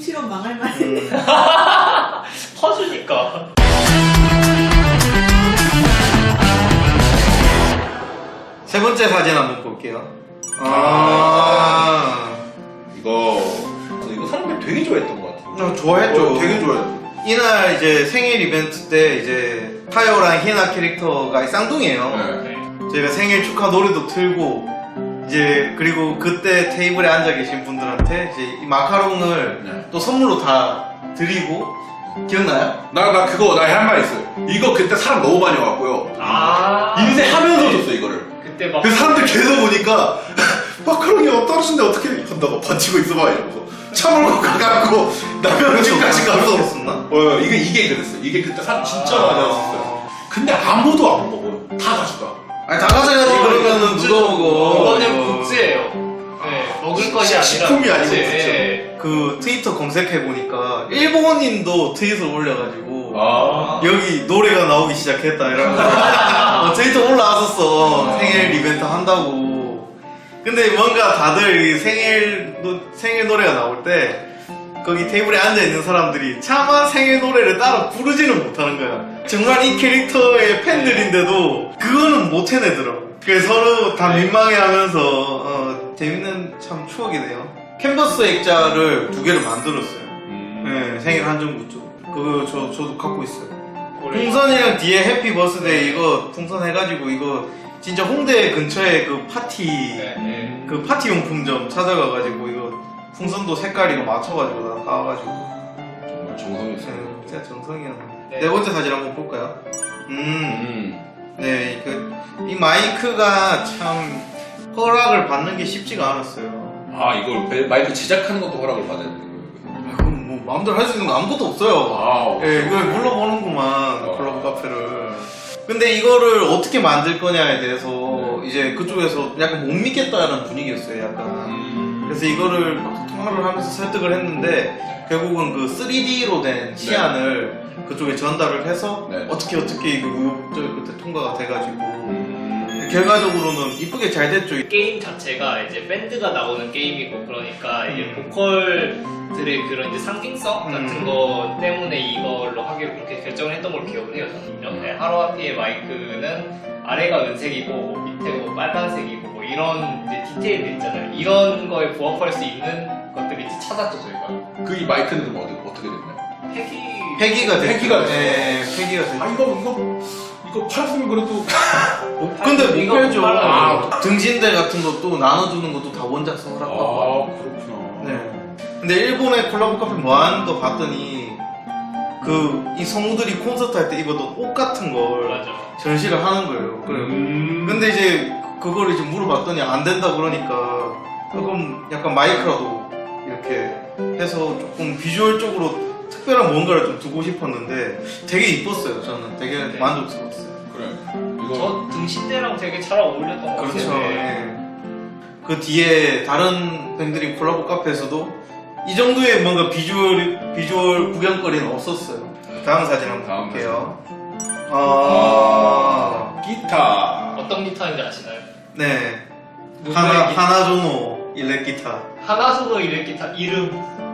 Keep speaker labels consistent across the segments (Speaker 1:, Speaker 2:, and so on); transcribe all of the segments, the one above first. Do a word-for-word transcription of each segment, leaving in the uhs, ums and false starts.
Speaker 1: 뭉치면 망할 만해.
Speaker 2: 음.
Speaker 3: 퍼주니까.
Speaker 2: 세 번째 사진 한번 볼게요. 아,
Speaker 4: 아 이거 이거 사람들이 되게 좋아했던 것 같아요.
Speaker 2: 어, 좋아했죠.
Speaker 4: 어, 되게 좋아했죠.
Speaker 2: 이날 이제 생일 이벤트 때 이제 타요랑 히나 캐릭터가 쌍둥이에요.
Speaker 4: 네.
Speaker 2: 저희가 생일 축하 노래도 틀고 이제 그리고 그때 테이블에 앉아 계신 분들한테 이제 이 마카롱을
Speaker 4: 네.
Speaker 2: 또 선물로 다 드리고 기억나요?
Speaker 4: 나, 나 그거 나 할 말 있어요. 이거 그때 사람 너무 많이 와갖고요.
Speaker 3: 아.
Speaker 4: 인쇄하면서 줬어 이거를.
Speaker 3: 그때 막.
Speaker 4: 그 사람들 계속 보니까 마카롱이 떨어진데 어떻게 한다고 버티고 있어봐 이러면서 차 몰고 가갖고 남편 집까지 가서
Speaker 2: 했었나?
Speaker 4: 어 이게 이게 그랬어. 이게 그때 사람 진짜 많이 왔었어요. 근데 아무도 안 먹어요. 다 가져가.
Speaker 2: 아니 다 가져가지 그러면은 누가 먹어?
Speaker 3: 이거는 굿즈예요. 네, 먹을 것이 아니라.
Speaker 4: 식품이 아니고
Speaker 3: 굿즈.
Speaker 4: 굿즈.
Speaker 3: 네.
Speaker 2: 그 트위터 검색해보니까 일본인도 트윗을 올려가지고
Speaker 4: 아
Speaker 2: 여기 노래가 나오기 시작했다 이러면서 어, 트위터 올라왔었어. 생일 이벤트 한다고. 근데 뭔가 다들 이 생일, 노, 생일 노래가 나올 때 거기 테이블에 앉아있는 사람들이 차마 생일 노래를 따로 부르지는 못하는 거야. 정말 이 캐릭터의 팬들인데도 그거는 못 해내더라고. 그래서 서로 다 민망해하면서 어, 재밌는 참 추억이네요. 캔버스 액자를 두 개를 만들었어요.
Speaker 4: 음.
Speaker 2: 네, 생일 한정 굿즈. 그거 저, 저도 갖고 있어요. 풍선이랑 뒤에 해피 버스데이 이거 풍선 해가지고 이거 진짜 홍대 근처에 그 파티
Speaker 3: 네, 네.
Speaker 2: 그 파티 용품점 찾아가가지고 이거 풍선도 색깔 이거 맞춰가지고 다 사와가지고
Speaker 4: 정말 정성이 있어요.
Speaker 2: 네, 진짜 정성이었네.
Speaker 3: 네.
Speaker 2: 네 번째 사진 한번 볼까요? 음,
Speaker 4: 음.
Speaker 2: 네, 그, 이 마이크가 참 허락을 받는 게 쉽지가 않았어요.
Speaker 4: 아 이걸 벨- 마이크 제작하는 것도 허락을 받아야 되는 거예요.
Speaker 2: 아, 그럼 뭐 마음대로 할 수 있는 거 아무것도 없어요.
Speaker 4: 아
Speaker 2: 예, 이걸 물러보는구만,
Speaker 4: 어.
Speaker 2: 클럽 카페를. 근데 이거를 어떻게 만들 거냐에 대해서
Speaker 4: 네.
Speaker 2: 이제 그쪽에서 약간 못 믿겠다는 분위기였어요, 약간.
Speaker 4: 음.
Speaker 2: 그래서 이거를 막 통화를 하면서 설득을 했는데 결국은 그 쓰리디로 된 시안을 그쪽에 전달을 해서
Speaker 4: 네.
Speaker 2: 어떻게 어떻게 이거 의혹적이 그때 통과가 돼가지고
Speaker 4: 음.
Speaker 2: 결과적으로는 이쁘게 잘 됐죠.
Speaker 3: 게임 자체가 이제 밴드가 나오는 게임이고 그러니까 이제
Speaker 2: 음.
Speaker 3: 보컬들의 그런 이제 상징성 같은
Speaker 2: 음.
Speaker 3: 거 때문에 이걸로 하기로 그렇게 결정을 했던 걸 기억을 해요. 저는 네, 하루아피의 마이크는 아래가 은색이고 밑에 뭐 빨간색이고 뭐 이런 이제 디테일들 있잖아요. 이런 거에 부합할 수 있는 것들을 이제 찾았죠 저희가.
Speaker 4: 그 이 마이크는 그럼 어디, 어떻게 됐나요?
Speaker 3: 폐기
Speaker 2: 폐기가 됐죠.
Speaker 4: 폐기가 됐어.
Speaker 2: 네, 폐기가 됐죠.
Speaker 4: 아 이거 이거 이거 팔았으면 그래도
Speaker 2: 근데 못
Speaker 3: 이거
Speaker 2: 팔죠.
Speaker 3: 빨라요.
Speaker 2: 아, 등신대 같은 것도 나눠주는 것도 다 원작성 허락받고.
Speaker 4: 아 그렇구나.
Speaker 2: 네. 근데 일본의 콜라보 카페 뭐 하는 거 봤더니 그 이 성우들이 콘서트 할 때 입었던 옷 같은 걸
Speaker 3: 맞아.
Speaker 2: 전시를 하는 거예요. 그래.
Speaker 4: 음.
Speaker 2: 근데 이제 그걸 이제 물어봤더니 안 된다 그러니까 그럼 약간 마이크라도 이렇게 해서 조금 비주얼적으로 특별한 뭔가를 좀 두고 싶었는데 되게 이뻤어요. 저는 되게
Speaker 3: 네.
Speaker 2: 만족스러웠어요.
Speaker 4: 그래. 이거
Speaker 3: 저 등신대랑 되게 잘 어울렸던 것 같아요.
Speaker 2: 그렇죠.
Speaker 3: 네.
Speaker 2: 예. 그 뒤에 다른 밴드린 콜라보 카페에서도 이 정도의 뭔가 비주얼 비주얼 구경거리는 없었어요. 다음 사진 한번
Speaker 4: 다음
Speaker 2: 볼게요. 아,
Speaker 4: 기타.
Speaker 3: 어떤 기타인지 아시나요?
Speaker 2: 네.
Speaker 3: 무슨
Speaker 2: 하나
Speaker 3: 기타?
Speaker 2: 하나조노 일렉 기타.
Speaker 3: 하나소노 일렉 기타 이름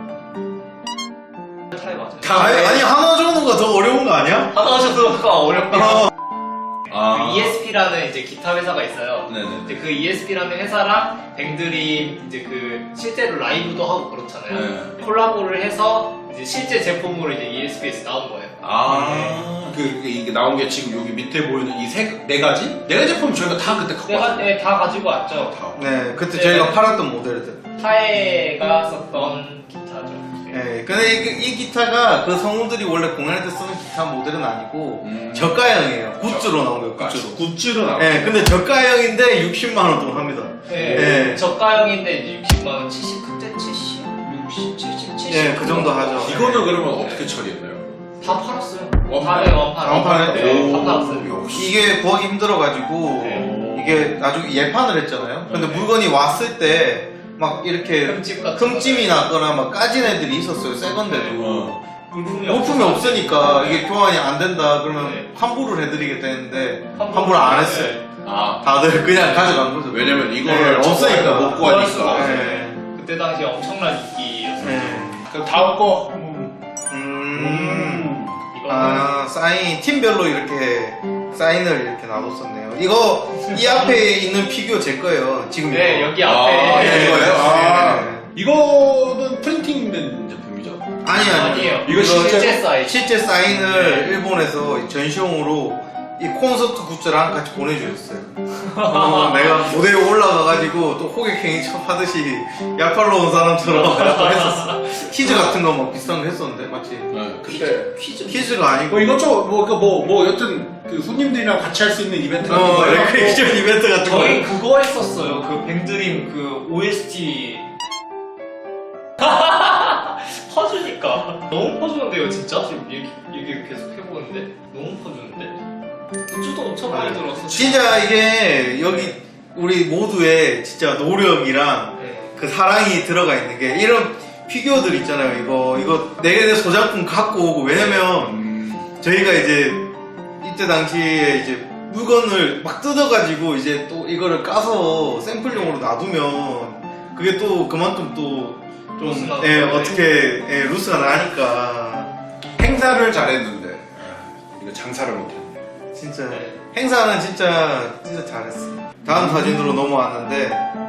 Speaker 3: 타이 맞아요.
Speaker 4: 다-
Speaker 2: 아니, 아니 하나조노가 더 어려운 거 아니야?
Speaker 3: 하나소노가 어렵긴
Speaker 2: 어.
Speaker 4: 아.
Speaker 3: 그 이에스피라는 이제 기타 회사가 있어요.
Speaker 4: 네네.
Speaker 3: 이제 그 이에스피라는 회사랑 뱅들이 이제 그 실제로 라이브도 하고 그렇잖아요.
Speaker 4: 네.
Speaker 3: 콜라보를 해서 이제 실제 제품으로 이제 이에스피에서 나온 거예요.
Speaker 4: 아. 그 이게, 이게 나온 게 지금 여기 밑에 보이는 이 세 네 가지 네 가지 제품 저희가 다 그때 갖고
Speaker 3: 내가
Speaker 4: 왔어요.
Speaker 3: 네, 다 가지고 왔죠.
Speaker 4: 다.
Speaker 2: 네, 그때
Speaker 3: 네.
Speaker 2: 저희가 팔았던 모델들.
Speaker 3: 타에가 썼던 기타죠.
Speaker 2: 네, 근데 이, 이 기타가 그 성우들이 원래 공연할 때 쓰는 기타 모델은 아니고
Speaker 4: 음.
Speaker 2: 저가형이에요. 굿즈로 나온 거예요.
Speaker 4: 아,
Speaker 2: 굿즈로.
Speaker 4: 굿즈로 나온.
Speaker 2: 네, 근데 저가형인데 육십만 원 돈 합니다.
Speaker 3: 네.
Speaker 2: 네.
Speaker 3: 저가형인데 이제 육십만 원, 칠십 그때 칠십, 육십, 칠십, 칠십.
Speaker 2: 네, 그 정도 하죠.
Speaker 4: 이거는 그러면 어떻게 처리했나요?
Speaker 3: 다 팔았어요.
Speaker 4: 원판?
Speaker 3: 다, 네, 원판.
Speaker 2: 원판에?
Speaker 3: 네, 다
Speaker 4: 오,
Speaker 3: 팔았어요.
Speaker 4: 역시.
Speaker 2: 이게 구하기 힘들어가지고
Speaker 3: 네.
Speaker 2: 이게 나중에 예판을 했잖아요. 근데
Speaker 4: 네.
Speaker 2: 물건이 왔을 때 막 이렇게
Speaker 3: 흠집 같은
Speaker 2: 흠집이 났거나 막 까진 애들이 있었어요. 새 건데도.
Speaker 4: 어.
Speaker 3: 물품이
Speaker 2: 부품이
Speaker 3: 없어서.
Speaker 2: 없으니까 이게 교환이 안 된다 그러면
Speaker 3: 네.
Speaker 2: 환불을 해드리겠다 했는데
Speaker 3: 환불.
Speaker 2: 환불을 안 했어요.
Speaker 3: 네.
Speaker 4: 아.
Speaker 2: 다들 그냥 가져간 거죠.
Speaker 4: 왜냐면
Speaker 2: 네,
Speaker 4: 이거를
Speaker 2: 없으니까.
Speaker 4: 못 구하니까.
Speaker 2: 네.
Speaker 3: 그때 당시 엄청난 인기였어요.
Speaker 2: 네.
Speaker 4: 그럼 다음 거 한번.
Speaker 2: 음.
Speaker 3: 이거는
Speaker 2: 아, 사인, 팀별로 이렇게 사인을 이렇게 놔뒀었네요. 이거, 이 앞에 있는 피규어 제 거예요. 지금.
Speaker 3: 네
Speaker 2: 이거.
Speaker 3: 여기
Speaker 4: 아,
Speaker 3: 앞에
Speaker 2: 네.
Speaker 4: 이거예요? 아.
Speaker 2: 네.
Speaker 4: 이거는 프린팅된 제품이죠?
Speaker 2: 아니, 아니.
Speaker 3: 아니에요.
Speaker 4: 이거 실제-
Speaker 3: 실제 사이즈.
Speaker 2: 실제 사인을
Speaker 3: 네.
Speaker 2: 일본에서 전시용으로 이 콘서트 굿즈랑 같이 보내주셨어요. 어, 내가 무대에 올라가가지고 또 호객행위 참 하듯이 약팔로 온 사람처럼 또 했었어. 퀴즈 같은 거 막 비슷한 거 했었는데, 맞지?
Speaker 4: 네, 그때.
Speaker 3: 퀴즈
Speaker 2: 퀴즈가 아니고.
Speaker 4: 뭐 이것저것, 뭐, 그 뭐, 뭐, 여튼, 그 손님들이랑 같이 할 수 있는 이벤트 같은
Speaker 2: 어,
Speaker 4: 거예요?
Speaker 2: 레크레이션 이벤트 같은 거.
Speaker 3: 저희 그거 했었어요. 그 뱅드림 그 오에스티 퍼주니까 너무 퍼주는데요, 진짜? 지금 얘기, 얘기 계속 해보는데 너무 퍼주는데 굿즈도 엄청 많이 들었어.
Speaker 2: 진짜 이게 여기 우리 모두의 진짜 노력이랑
Speaker 3: 네.
Speaker 2: 그 사랑이 들어가 있는 게 이런 피규어들 있잖아요. 이거 이거 내내 소작품 갖고 오고 왜냐면
Speaker 4: 음,
Speaker 2: 저희가 이제 이때 당시에 이제 물건을 막 뜯어가지고 이제 또 이거를 까서 샘플용으로 놔두면 그게 또 그만큼
Speaker 3: 루스
Speaker 2: 또좀
Speaker 3: 나는
Speaker 2: 예,
Speaker 3: 거네.
Speaker 2: 어떻게 예, 루스가 나니까
Speaker 4: 행사를 잘했는데, 이거 장사를 못했네.
Speaker 2: 진짜
Speaker 3: 네.
Speaker 2: 행사는 진짜 진짜 잘했어. 다음 사진으로 넘어왔는데